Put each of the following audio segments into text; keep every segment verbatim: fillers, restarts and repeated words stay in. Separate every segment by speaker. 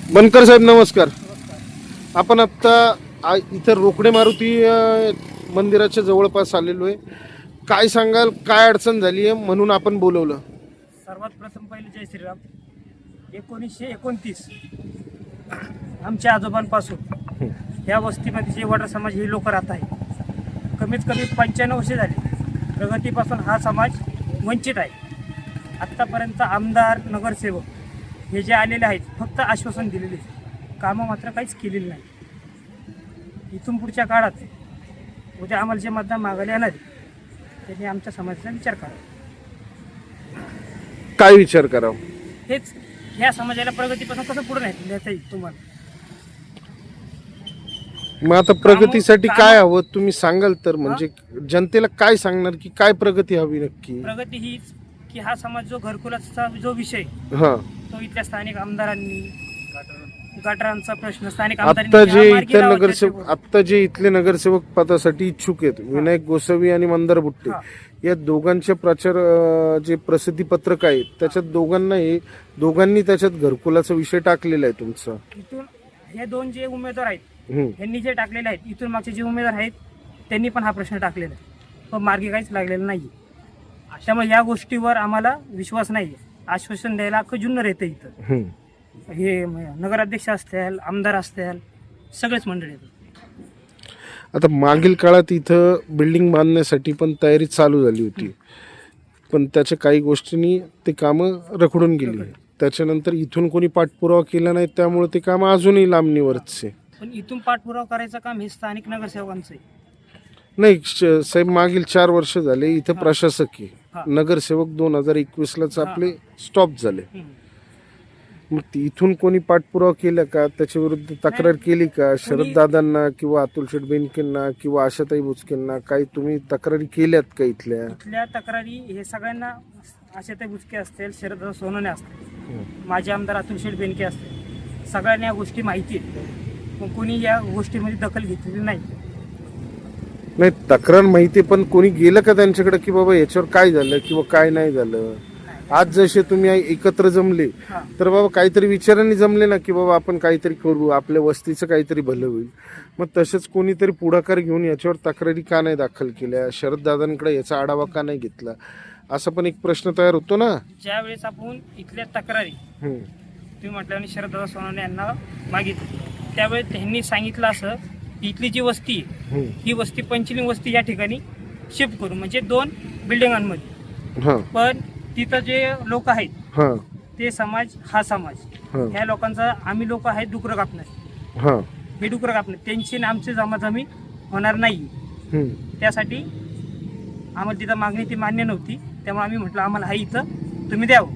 Speaker 1: बनकर साहेब नमस्कार. आपण आता इथं रोकडे मारुती मंदिराच्या जवळपास आलेलो आहे. काय सांगाल, काय अडचण झाली आहे म्हणून आपण बोलवलं?
Speaker 2: सर्वात प्रथम पहिले जय श्रीराम. एकोणीसशे एकोणतीस आमच्या आजोबांपासून या वस्तीमध्ये जे वडार समाज हे लोक राहत आहे, कमीत कमी पंच्याण्णव वर्षे झाली. प्रगतीपासून हा समाज वंचित आहे. आत्तापर्यंत आमदार, नगरसेवक हे जे आलेले आहेत फक्त आश्वासन दिलेले, कामं मात्र काहीच केलेली नाही. इथून पुढच्या काळात उद्या आम्हाला जे मतदान मागायला येणार आहे त्यांनी आमच्या समाजाचा विचार करावा.
Speaker 1: काय विचार करावा?
Speaker 2: हेच ह्या समाजाला प्रगतीपासून कसं पुढे नाही नेता येईल तुम्हाला.
Speaker 1: मग आता प्रगतीसाठी काय हवं तुम्ही सांगाल तर, म्हणजे जनतेला काय सांगणार की काय प्रगती हवी नक्की?
Speaker 2: प्रगती हीच की हा समाज जो घरकुलाचा जो विषय
Speaker 1: हा
Speaker 2: तो इथल्या स्थानिक आमदारांनी, गटारांचा प्रश्न स्थानिक
Speaker 1: आता
Speaker 2: आमदारांनी
Speaker 1: जे
Speaker 2: या मार्गी
Speaker 1: इथले
Speaker 2: लावला
Speaker 1: नगरसेवक
Speaker 2: त्याच्यावर.
Speaker 1: आता जे इथले नगरसेवक पदासाठी इच्छुक आहेत, विनायक गोसावी आणि मंदार बुट्टे,
Speaker 2: हा.
Speaker 1: या दोघांचे प्रचार अं, जे प्रसिद्धी पत्रक आहेत त्याच्यात दोघांना हे दोघांनी त्याच्यात घरकुलाचा विषय टाकलेला आहे तुमचा.
Speaker 2: इथून हे दोन जे उमेदवार आहेत
Speaker 1: हम्म.
Speaker 2: यांनी जे टाकलेले आहेत, इथून मागचे जे उमेदवार आहेत त्यांनी पण हा प्रश्न टाकलेला आहे, पण मार्गी काहीच लागलेला नाही. त्यामुळे या गोष्टीवर आम्हाला विश्वास नाही. आश्वासन द्यायला अख्खं जुन्नर येतं इथं.
Speaker 1: हम्म.
Speaker 2: हे नगराध्यक्ष असतील, आमदार असतील, सगळेच मंडळी येतात.
Speaker 1: आता मागील काळात इथं बिल्डिंग बांधण्यासाठी पण तयारी चालू झाली होती, पण त्याच्या काही गोष्टींनी ते कामं रखडून गेली. त्याच्यानंतर इथून कोणी पाठपुरावा केला नाही, त्यामुळे ते काम अजूनही लांबणीवरच आहे.
Speaker 2: पण इथून पाठपुरावा करायचं काम हे स्थानिक नगरसेवकांचं आहे.
Speaker 1: नाही श- साहेब, मागील चार वर्ष झाले इथं
Speaker 2: हा.
Speaker 1: प्रशासक
Speaker 2: हा.
Speaker 1: आहे. नगरसेवक दोन हजार एकवीस लाच
Speaker 2: हा.
Speaker 1: आपले स्टॉप झाले.
Speaker 2: हम्म.
Speaker 1: मग ती- इथून कोणी पाठपुरावा केला का, त्याच्या विरुद्ध तक्रार केली का? शरद दादांना किंवा अतुल शेठ बेनकेंना किंवा आशाताई बुचकेंना काही तुम्ही तक्रारी केल्यात का इथल्या?
Speaker 2: इथल्या तक्रारी हे सगळ्यांना, आशाताई बुचके असतील, शरद सोनवणे असतील, माजी आमदार अतुल शेठ बेनके असतील, सगळ्यांना या गोष्टी माहिती आहेत, पण कोणी या गोष्टीमध्ये दखल घेतलेली नाही.
Speaker 1: नाही, तक्रार माहिती, पण कोणी गेलं का त्यांच्याकडे की बाबा याच्यावर काय झालं किंवा काय नाही झालं? आज जसे तुम्ही एकत्र जमले
Speaker 2: हा.
Speaker 1: तर बाबा काहीतरी विचारांनी जमले ना की बाबा आपण काहीतरी करू, आपल्या वस्तीचं काहीतरी भलं होईल. मग तसंच कोणीतरी पुढाकार घेऊन याच्यावर तक्रारी का नाही दाखल केल्या? शरद दादांकडे याचा आढावा का नाही घेतला? असा पण एक प्रश्न तयार होतो ना.
Speaker 2: ज्या वेळेस आपण इथल्या तक्रारी
Speaker 1: हम्म.
Speaker 2: तुम्ही म्हटल्याने शरददादा सोनवणे यांना मागितली, त्यावेळेस त्यांनी सांगितलं असं की इथली जी वस्ती आहे
Speaker 1: हम्म.
Speaker 2: ही वस्ती पंचलिंग वस्ती या ठिकाणी शिफ्ट करू, म्हणजे दोन बिल्डिंगांमध्ये.
Speaker 1: हा
Speaker 2: पण तिथं जे लोक आहेत
Speaker 1: हा
Speaker 2: ते समाज, हा समाज,
Speaker 1: हा
Speaker 2: ह्या लोकांचा, आम्ही लोक आहेत डुकरं कापणार,
Speaker 1: हा
Speaker 2: हे डुकरं कापणार, त्यांची आणि आमची जमाजमी होणार नाही.
Speaker 1: हम्म.
Speaker 2: त्यासाठी आम्हाला तिथं मागणी ती मान्य नव्हती, त्यामुळे आम्ही म्हटलं आम्हाला हा इथं तुम्ही द्यावं.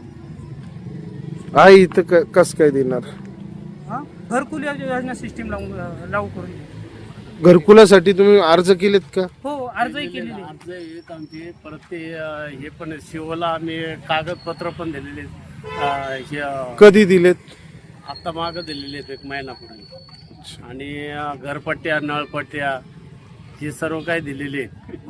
Speaker 1: आहे इथं क- कस काय देणार?
Speaker 2: हां, घरकुल योजना सिस्टीम लागू लागू करून द्या.
Speaker 1: घरकुलासाठी तुम्ही अर्ज केलेत का?
Speaker 2: हो, अर्जही केलेले आहे.
Speaker 3: अर्ज आहेत आमचे. परत ते अं, हे पण शिवला आम्ही कागदपत्र पण दिलेले आहेत. अं, हे अं,
Speaker 1: कधी दिलेत?
Speaker 3: आत्ता मागं दिलेले आहेत एक महिनापूर्वी. आणि अं, घरपट्ट्या, नळपट्ट्या हे सर्व काही दिलेले आहेत.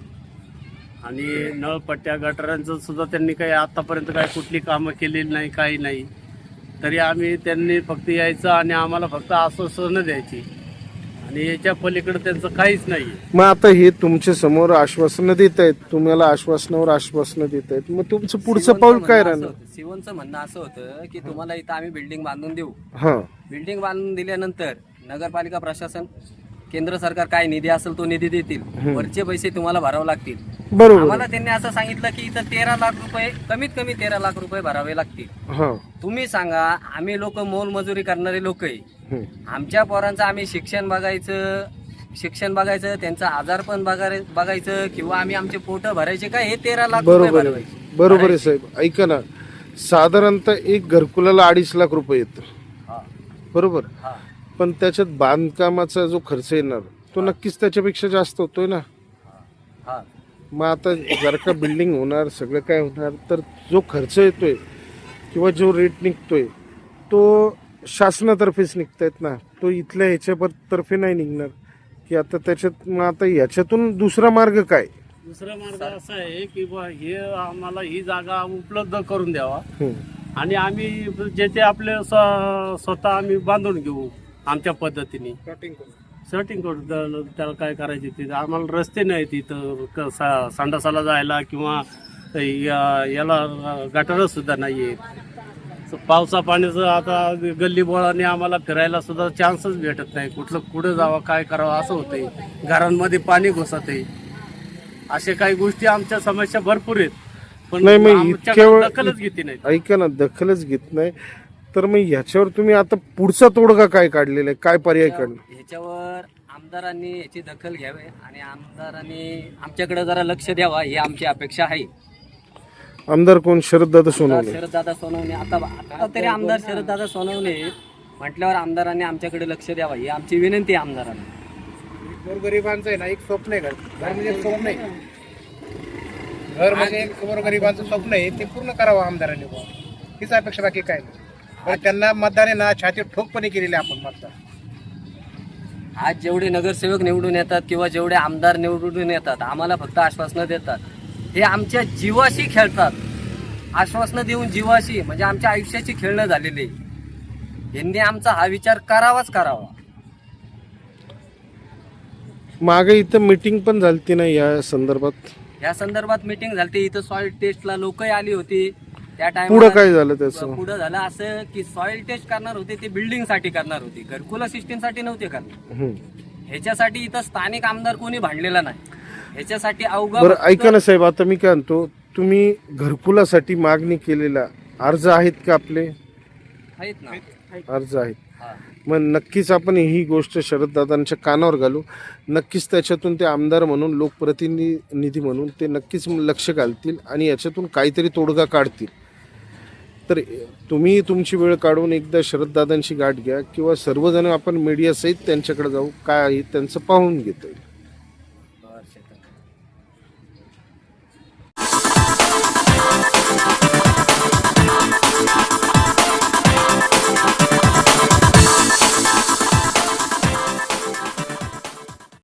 Speaker 3: आणि नळपट्ट्या, गटारांचं सुद्धा त्यांनी काही आतापर्यंत काही कुठली कामं केलेली नाही, काही नाही. तरी आम्ही त्यांनी फक्त यायचं आणि आम्हाला फक्त आश्वासनं द्यायची, आणि याच्या पलीकडे त्यांचं काहीच नाही.
Speaker 1: मग आता हे तुमच्या समोर आश्वासनं देत आहेत, तुम्हाला आश्वासनावर आश्वासनं देत आहेत, मग तुमचं पुढचं पाऊल काय राहणार?
Speaker 4: शिवनचं म्हणणं असं होतं की तुम्हाला इथं आम्ही बिल्डिंग बांधून देऊ.
Speaker 1: हा
Speaker 4: बिल्डिंग बांधून दिल्यानंतर नगरपालिका प्रशासन, केंद्र सरकार काय निधी असेल तो निधी देतील, वरचे पैसे तुम्हाला भरावे लागतील.
Speaker 1: बरोबर.
Speaker 4: आम्हाला त्यांनी असं सांगितलं की इथं तेरा लाख रुपये, कमीत कमी तेरा लाख रुपये भरावे लागतील.
Speaker 1: हा
Speaker 4: तुम्ही सांगा, आम्ही लोक मोलमजुरी करणारे लोक आहे,
Speaker 1: हम्म.
Speaker 4: आमच्या पोरांचं आम्ही शिक्षण बघायचं शिक्षण बघायचं त्यांचं आजार पण बघाय बघायचं किंवा आम्ही आमचे पोट भरायचे काय, हे तेरा लाख रुपये
Speaker 1: बरोबर आहे,
Speaker 4: भरवायचे.
Speaker 1: बरोबर आहे साहेब. ऐका ना, साधारणतः एक घरकुलाला अडीच लाख रुपये येतो,
Speaker 4: हा,
Speaker 1: बरोबर,
Speaker 4: हा,
Speaker 1: पण त्याच्यात बांधकामाचा जो खर्च येणार तो नक्कीच त्याच्यापेक्षा जास्त होतोय ना.
Speaker 4: हा.
Speaker 1: मग आता जर का बिल्डिंग होणार, सगळं काय होणार, तर जो खर्च येतोय किंवा जो रेट निघतोय तो शासनातर्फेच निघतायत ना, तो इथल्या ह्याच्या तर्फे नाही निघणार की आता त्याच्यात. मग आता याच्यातून दुसरा मार्ग काय?
Speaker 3: दुसरा मार्ग असा आहे की बा हे आम्हाला ही जागा उपलब्ध करून द्यावा,
Speaker 1: हम्म.
Speaker 3: आणि आम्ही जे ते आपले स्व- स्वतः आम्ही बांधून घेऊ आमच्या पद्धतीने सेटिंग करू. त्या- त्याला काय करायचे ते आम्हाला रस्ते नाही तिथं क- सा- संडासाला जायला किंवा या- याला गटारं सुद्धा नाही आहे. पावसा पाण्याचं आता गल्ली बोळाने आम्हाला फिरायला सुद्धा चान्सच भेटत नाही. कुठलं कुठं जावं काय करावं असं होतंय. घरांमध्ये पाणी घुसत आहे. अशा काही गोष्टी आमच्या समस्या भरपूर आहेत, पण
Speaker 1: नाही, मग
Speaker 3: आमच्याकडे
Speaker 1: इतक्या वेळ-
Speaker 3: दखलच घेते नाही.
Speaker 1: ऐका ना, दखलच घेत नाही तर मग ह्याच्यावर तुम्ही आता पुढचा तोडगा काय काढलेला आहे, काय पर्याय काढला?
Speaker 4: ह्याच्यावर आमदारांनी याची दखल घ्यावी आणि आमदारांनी आमच्याकडे जरा लक्ष द्यावा ही आमची अपेक्षा आहे.
Speaker 1: आमदार कोण? शरददादा सोनवणे.
Speaker 4: शरददादा सोनवणे आता आता तरी आमदार शरददादा सोनवणे म्हटल्यावर आमदारांनी आमच्याकडे लक्ष द्यावा ही आमची विनंती आहे आमदारांना.
Speaker 5: गोरगरिबांचं आहे ना एक स्वप्न आहे. घर घर म्हणजे एक स्वप्न आहे. घर म्हणजे एक गोरगरिबांचं स्वप्न आहे, ते पूर्ण करावं आमदारांनी बुवा. हीच अपेक्षा, बाकी काय नाही. पण त्यांना मतदान आहे ना छाती ठोकपणे केलेले आपण मतदान.
Speaker 4: आज जेवढे नगरसेवक निवडून येतात किंवा जेवढे आमदार निवडून येतात आम्हाला फक्त आश्वासनं देतात. हे आमच्या जीवाशी खेळतात. आश्वासनं देऊन जीवाशी म्हणजे आमच्या आयुष्याची खेळणं झालेली आहे. यांनी आमचा हा विचार करावाच करावा.
Speaker 1: मागे इथं मीटिंग पण झालती ना या संदर्भात?
Speaker 4: या संदर्भात मीटिंग झाली. इथं सॉइल टेस्टला लोकही आली होती. त्या
Speaker 1: पुढं
Speaker 4: टाइम
Speaker 1: काय झालं त्याचं?
Speaker 4: पुढं झालं असं की सॉइल टेस्ट करणार होते ते बिल्डिंग साठी करणार होते, घरकुला सिस्टीम साठी नव्हते करणार.
Speaker 1: हम्म.
Speaker 4: ह्याच्यासाठी इथं स्थानिक आमदार कोणी भांडलेला नाही. ह्याच्यासाठी अवघा
Speaker 1: बरं ऐका ना साहेब, आता मी काय म्हणतो, तुम्ही घरकुलासाठी मागणी केलेला अर्ज आहेत का आपले?
Speaker 4: आहेत ना.
Speaker 1: अर्ज आहेत.
Speaker 4: हा.
Speaker 1: मग नक्कीच आपण ही गोष्ट शरददादांच्या कानावर घालू. नक्कीच त्याच्यातून ते आमदार म्हणून, लोकप्रतिनिधी म्हणून ते नक्कीच लक्ष घालतील आणि याच्यातून काहीतरी तोडगा काढतील. तर तुम्ही तुमची वेळ काढून एकदा शरददादांची गाठ घ्या किंवा सर्वजण आपण मीडियासहित त्यांच्याकडे जाऊ, काय आहे त्यांचं पाहून घेता येईल.
Speaker 4: बरं, शेतात.